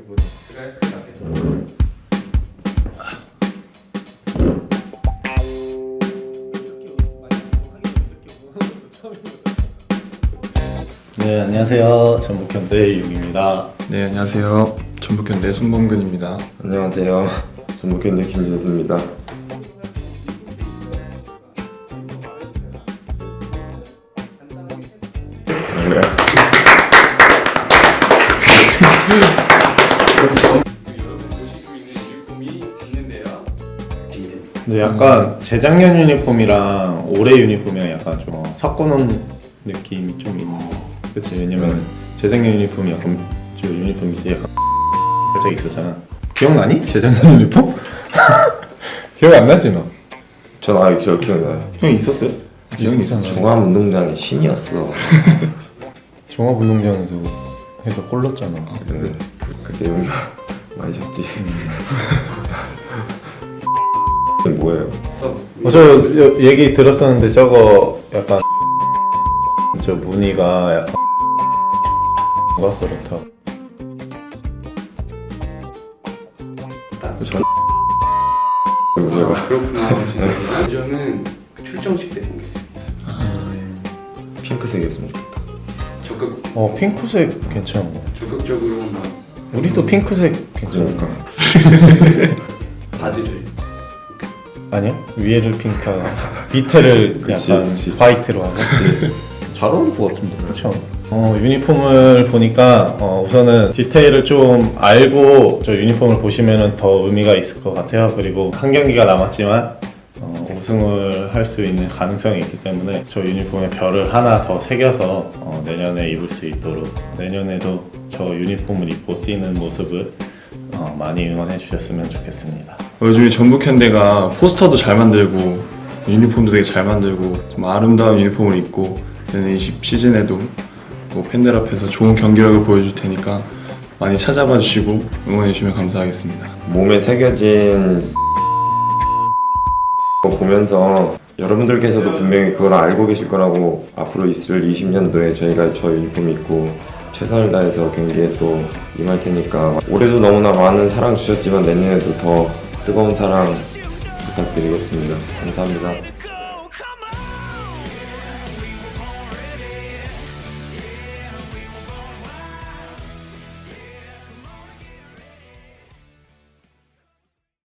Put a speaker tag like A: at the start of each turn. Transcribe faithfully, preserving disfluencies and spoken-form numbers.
A: 이거 그래 그래.
B: 네, 안녕하세요. 전북현대 용입니다.
A: 네, 안녕하세요. 전북현대 손범근입니다.
C: 안녕하세요. 전북현대 김진수입니다. 네.
A: 여러분 보시고 있는 유니폼이 있는데요.
B: 근데 약간 재작년 유니폼이랑 올해 유니폼이랑 약간 좀 섞어놓은 느낌이 좀 있는 거. 그치? 왜냐면 재작년 유니폼이 약간 저 유니폼 밑에 약간 살짝 있었잖아. 기억나니? 재작년 유니폼? 기억 안 나지 너?
C: 전 아직 저 기억나요.
B: 형 있었어요? 있었잖아.
C: 종합운동장의 신이었어.
B: 종합운동장에서 해서 골 넣었잖아.
C: 네. 그때 여기가 많이 셨지. 뭐예요?
B: 어, 저 여- 얘기 들었었는데 저거 약간 저 무늬가 약간 뭔가 그렇다.
C: 전 그리고 제가
D: 아, 그렇구나. 저는 출정식 때 본 게
C: 핑크색이었으면 좋겠다.
D: 적극
B: 어 핑크색 괜찮은 거.
D: 적극적으로 막
B: 우리도 핑크색 괜찮은 거.
C: 그러니까
D: 바지를
B: 아니야? 위에를 핑크하고 밑에를
C: 그치,
B: 약간
C: 그치.
B: 화이트로 하고. 잘 어울릴 것 같은데. 그렇죠. 어 유니폼을 보니까 어, 우선은 디테일을 좀 알고 저 유니폼을 보시면은 더 의미가 있을 것 같아요. 그리고 한 경기가 남았지만 어, 우승을 할 수 있는 가능성이 있기 때문에 저 유니폼에 별을 하나 더 새겨서 어, 내년에 입을 수 있도록 내년에도 저 유니폼을 입고 뛰는 모습을 어, 많이 응원해 주셨으면 좋겠습니다.
A: 요즘에 전북현대가 포스터도 잘 만들고 유니폼도 되게 잘 만들고 좀 아름다운 유니폼을 입고 내년 이십 시즌에도 뭐 팬들 앞에서 좋은 경기력을 보여줄 테니까 많이 찾아봐 주시고 응원해 주시면 감사하겠습니다.
C: 몸에 새겨진 거 보면서 여러분들께서도 분명히 그걸 알고 계실 거라고 앞으로 있을 이십 년도에 저희가 저 유니폼 입고 최선을 다해서 경기에 또 임할 테니까 올해도 너무나 많은 사랑 주셨지만 내년에도 더 뜨거운 사랑 부탁드리겠습니다. 감사합니다.